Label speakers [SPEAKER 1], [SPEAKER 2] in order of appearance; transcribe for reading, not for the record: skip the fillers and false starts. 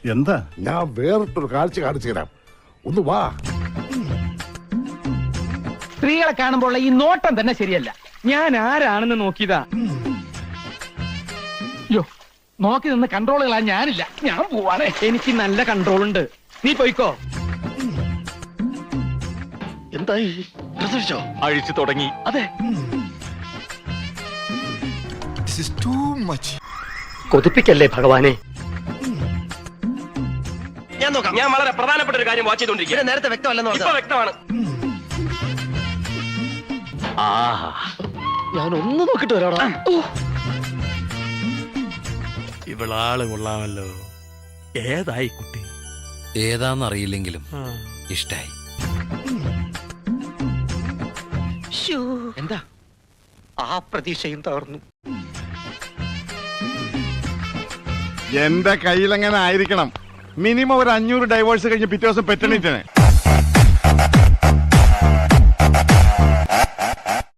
[SPEAKER 1] എന്താ?
[SPEAKER 2] ഞാൻ വേറിട്ടൊരു കാഴ്ച കാണിച്ചു തരാം. ഒന്ന് വാ.
[SPEAKER 3] സ്ത്രീകളെ കാണുമ്പോൾ ഈ നോട്ടം തന്നെ ശരിയല്ല. ഞാൻ ആരാണെന്ന് നോക്കിയതാ. യോ, നോക്കി നിന്ന് കൺട്രോളുകളാ ഞാനില്ല. ഞാൻ പോവാണ്. എനിക്ക് നല്ല കൺട്രോൾ ഉണ്ട്. നീ പോയിക്കോ.
[SPEAKER 4] എന്തായി?
[SPEAKER 3] അഴിച്ചു തുടങ്ങി. അതെ,
[SPEAKER 4] കൊതിപ്പിക്കല്ലേ ഭഗവാനെ.
[SPEAKER 5] ഞാൻ നോക്കാം. ഞാൻ വളരെ പ്രധാനപ്പെട്ട ഒരു കാര്യം വാച്ച് ചെയ്തോണ്ടിരിക്കും. നേരത്തെ വ്യക്തമല്ലെന്ന് പറഞ്ഞു. വ്യക്തമാണ്.
[SPEAKER 4] ഞാൻ ഒന്ന് നോക്കിട്ട് വരാടാ.
[SPEAKER 6] ഇവളാള് കൊള്ളാമല്ലോ. ഏതായി കുട്ടി?
[SPEAKER 7] ഏതാന്നറിയില്ലെങ്കിലും ഇഷ്ടായി.
[SPEAKER 4] എന്താ ആ പ്രതീക്ഷയും തകർന്നു.
[SPEAKER 1] എന്റെ കയ്യിലെങ്ങനെ ആയിരിക്കണം. മിനിമം ഒരു 500 ഡൈവേഴ്സ് കഴിഞ്ഞ് പിറ്റേ ദിവസം പെറ്റണിട്ടാണ്.